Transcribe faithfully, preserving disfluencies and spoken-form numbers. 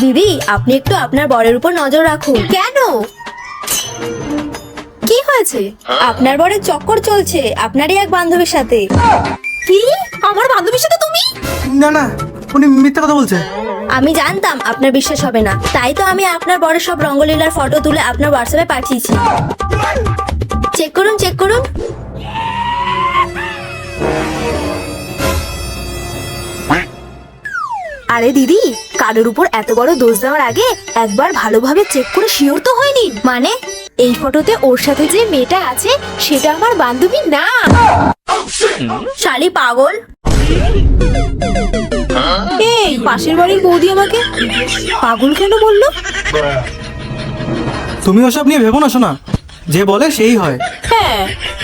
দিদি, আপনি একটু আপনার বরের উপর নজর রাখুন। কেন, কি হয়েছে? আপনার বরের চক্কর চলছে আপনারই এক বান্ধবীর সাথে। কি, আমার বান্ধবীর সাথে তুমি? না না, উনি মিথ্যা কথা বলছে। আমি জানতাম আপনার বিশ্বাস হবে না, তাই তো আমি আপনার বরের সব রঙ্গলীলার ফটো তুলে আপনার হোয়াটসঅ্যাপে পাঠিয়েছি। চেক করুন চেক করুন। আরে দিদি, কারোর উপর এত বড় দোষ দেওয়ার আগে একবার ভালোভাবে চেক করে শিওর তো হয়নি। মানে এই ফটোতে ওর সাথে যে মেয়েটা আছে সেটা আমার বান্ধবী না। শালি পাগল। এই পাশের বাড়ির বৌদি আমাকে পাগল কেন বললো? তুমি ওসব নিয়ে ভেবো না শোনা, যে বলে সেই হয়। হ্যাঁ,